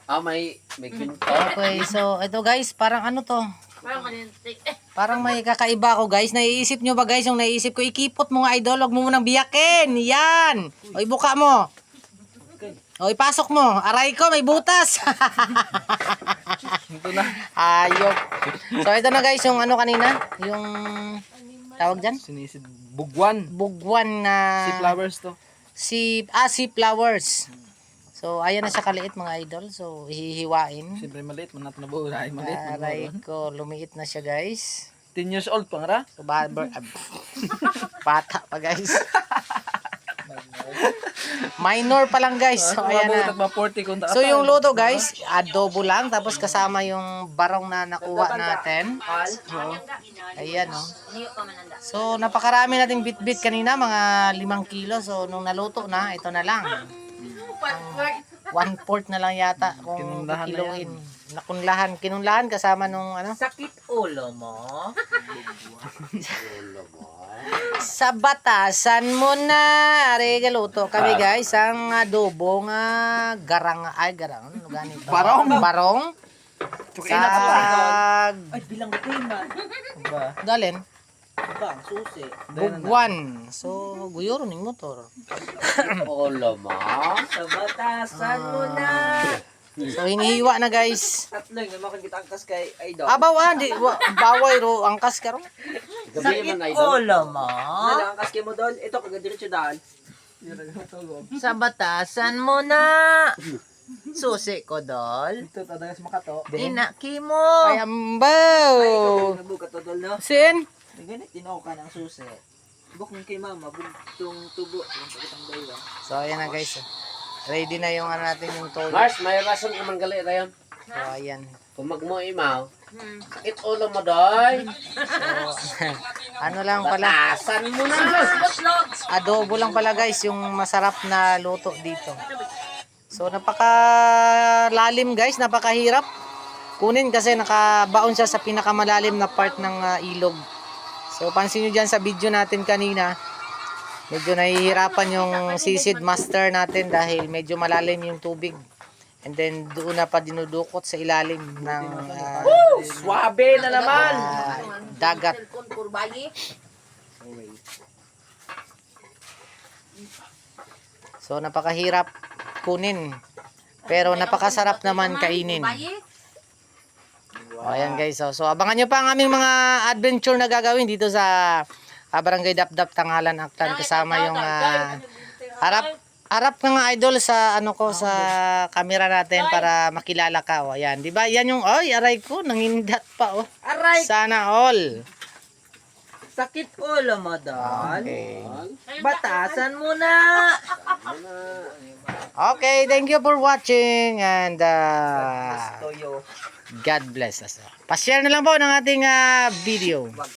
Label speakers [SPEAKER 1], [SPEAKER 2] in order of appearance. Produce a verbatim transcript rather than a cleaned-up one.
[SPEAKER 1] Ah, may may kwento.
[SPEAKER 2] Okay, so ito guys, parang ano to?
[SPEAKER 3] Parang kanintik.
[SPEAKER 2] Parang may kakaiba ako guys. Naiisip nyo ba guys yung naiisip ko? Ikipot mo nga idol, huwag mo munang biyakin. Yan. O ibuka mo. O ipasok mo. Aray ko, may butas.
[SPEAKER 4] Ito na.
[SPEAKER 2] Ayok. So ito na guys, yung ano kanina, yung tawag dyan?
[SPEAKER 4] Sinisid. Bugwan.
[SPEAKER 2] Bugwan na
[SPEAKER 4] Si flowers to.
[SPEAKER 2] si ah, si flowers. So ayan na siya kaliit mga idol. So hihiwain.
[SPEAKER 4] Siyempre maliit. Manat na buo. Ay maliit.
[SPEAKER 2] Aray ko, lumiit na siya guys.
[SPEAKER 4] ten years old pang ra.
[SPEAKER 2] So barber, ah, bata pa guys. Minor pa lang guys. So ayan na.
[SPEAKER 4] forty kung
[SPEAKER 2] So yung luto guys, adobo lang tapos kasama yung barong na nakuha natin. Ayan oh. So napakarami nating bit-bit kanina, mga limang kilo. So nung naluto na, ito na lang. One fourth na lang yata kung
[SPEAKER 4] Kinunlahan na
[SPEAKER 2] kiloin. Nakunlahan, kinunlahan kasama nung ano.
[SPEAKER 3] Sakit ulo mo?
[SPEAKER 2] Sa batasan mo na. Are galuto kami guys ang adobo nga garang ay garang ano ganito.
[SPEAKER 4] Barong.
[SPEAKER 2] Barong.
[SPEAKER 4] Tukain na ka pa.
[SPEAKER 2] Sa
[SPEAKER 3] Ay, bilang bitin man.
[SPEAKER 4] Ba.
[SPEAKER 2] dalin
[SPEAKER 3] Bang, susi.
[SPEAKER 2] bugwan. So guyoro ning motor.
[SPEAKER 1] Ulo mo.
[SPEAKER 3] Sa batasan mo na.
[SPEAKER 2] So hinihiwa na guys.
[SPEAKER 3] Tatlo yung naman kita angkas kay Idol.
[SPEAKER 2] Abaw ah, di wa- baway ro angkas karon.
[SPEAKER 1] Gabi man
[SPEAKER 3] Sakit
[SPEAKER 1] idol.
[SPEAKER 3] ulo mo? Ano, angkas kay mo doon? Ito, kagadiretso daan. Sa batasan mo na. Susi ko, Dol.
[SPEAKER 4] Ito tadagas makato.
[SPEAKER 3] Inaki mo.
[SPEAKER 2] Ay ambaw.
[SPEAKER 3] Nabuka to, Dol, no?
[SPEAKER 2] Sin?
[SPEAKER 3] May ganit, tinaw ka ng susi. Buk ng kay mama, bugtong tubo. Yung pagkitang bayo.
[SPEAKER 2] So ayan na guys. Ready na yung ano natin yung toyo.
[SPEAKER 1] Mars, may rason ka man gali rayon.
[SPEAKER 2] So ayan.
[SPEAKER 1] Kung magmo imaw, sakit ulo mo doy.
[SPEAKER 2] So ano lang pala,
[SPEAKER 1] Batasan mo na.
[SPEAKER 2] adobo lang pala guys yung masarap na luto dito. So napaka lalim guys, napakahirap kunin kasi nakabaon siya sa pinakamalalim na part ng ah, ilog. So pansin nyo dyan sa video natin kanina, medyo nahihirapan yung sisid master natin dahil medyo malalim yung tubig. And then doon na pa dinudukot sa ilalim ng ah,
[SPEAKER 3] Swabe na naman.
[SPEAKER 2] ah, dagat. So napakahirap kunin. Pero napakasarap naman kainin. O, ayan guys. So, so abangan nyo pa ang aming mga adventure na gagawin dito sa ah, Barangay Dapdap, Tanghalan, Aklan. Kasama yung ah, harap harap ng idol sa ano ko sa camera natin para makilala ka. O, ayan. Di ba? Yan yung oy, aray ko nangindat pa oh.
[SPEAKER 3] Aray,
[SPEAKER 2] Sana all.
[SPEAKER 3] sakit ulo mo, Dol.
[SPEAKER 2] Okay.
[SPEAKER 3] Batasan mo na.
[SPEAKER 2] Okay, thank you for watching and uh,
[SPEAKER 3] Toyo.
[SPEAKER 2] God bless us. Pa-share na lang po ng ating ah, video.